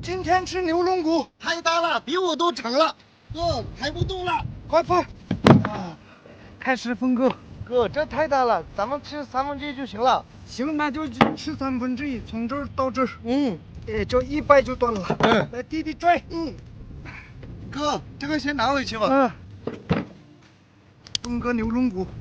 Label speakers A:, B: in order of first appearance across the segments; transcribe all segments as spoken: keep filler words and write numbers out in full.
A: 今天吃牛龙骨，
B: 太大了，比我都长了，哥抬不动了。
A: 快放！啊，开始分割。
B: 哥，这太大了，咱们吃三分之一就行了。
A: 行，那就吃三分之一，从这儿到这儿。
B: 嗯，
A: 哎，这一掰就断了。
B: 嗯，
A: 来，弟弟拽。
B: 嗯，哥，这个先拿回去吧。
A: 嗯，分割牛龙骨。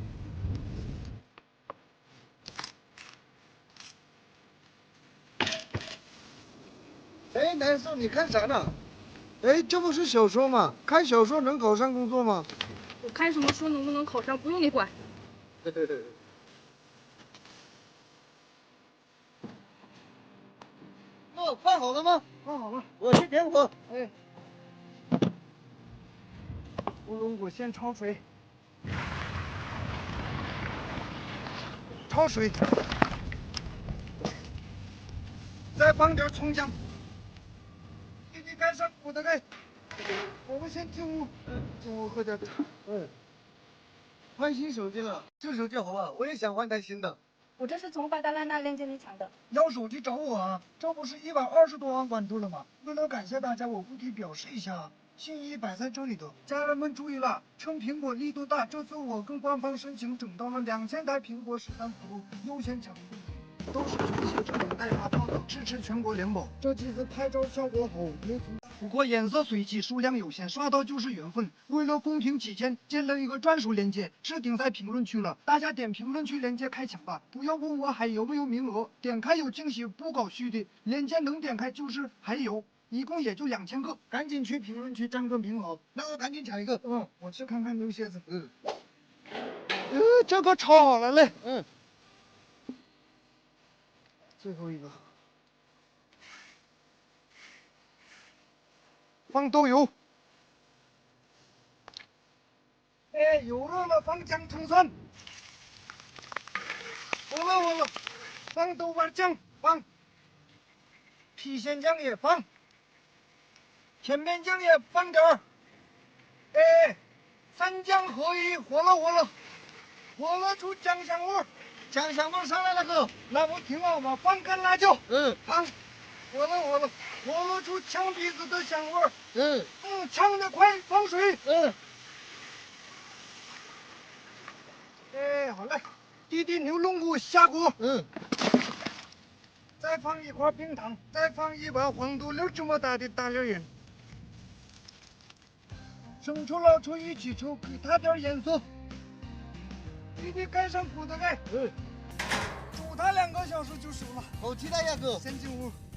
A: 哎，男生，你看啥呢？哎，这不是小说吗？看小说能考上工作吗？
C: 我看什么书能不能考上，不用你管。
B: 哦，放好了吗？
A: 放好了。
B: 我去点火。
A: 哎，牛龙骨先焯水，焯水，再放点葱姜。弟弟盖上锅的盖。我们先进屋，嗯，进屋喝点茶。
B: 嗯，换新手机了，这手机好不好？我也想换台新的。
C: 我这是从巴达拉那链接里抢的。
A: 要手机找我啊！这不是一百二十多万关注了吗？为了感谢大家，我不得表示一下，心意摆在这里的。家人们注意了，趁苹果力度大，这次我跟官方申请整到了两千台苹果十三 Pro 优先抢购。都是全系智能代发票的，支持全国联保。这机子拍照效果好，没错。不过颜色随机，数量有限，刷到就是缘分。为了公平起见，建了一个专属链接，置顶在评论区了，大家点评论区链接开抢吧！不要问我还有没有名额，点开有惊喜，不搞虚的。链接能点开就是还有，一共也就两千个，赶紧去评论区占个名额。
B: 那我赶紧抢一个。
A: 嗯，我去看看牛蝎子。
B: 嗯，
A: 呃，这个炒好了嘞。
B: 嗯。
A: 最后一个，放豆油。哎，油热了，放姜葱蒜。火了火了，放豆瓣酱，放。郫县酱也放。甜面酱也放点儿。哎，三酱合一，火了火了，火了出酱香味儿。
B: 酱香味上来了，哥。
A: 那不挺好吗？放干辣椒。
B: 嗯，
A: 放。火了火了，火了出呛鼻子的香味儿。
B: 嗯
A: 嗯，呛得快，放水。
B: 嗯。
A: 哎，好嘞，弟弟牛龙骨下锅。
B: 嗯。
A: 再放一块冰糖，再放一把黄豆粒这么大的大粒盐。生抽、老抽一起抽，给它点颜色。弟弟盖上锅的盖。
B: 嗯。
A: 煮它两个小时就熟了。
B: 好期待呀，哥。
A: 先进屋。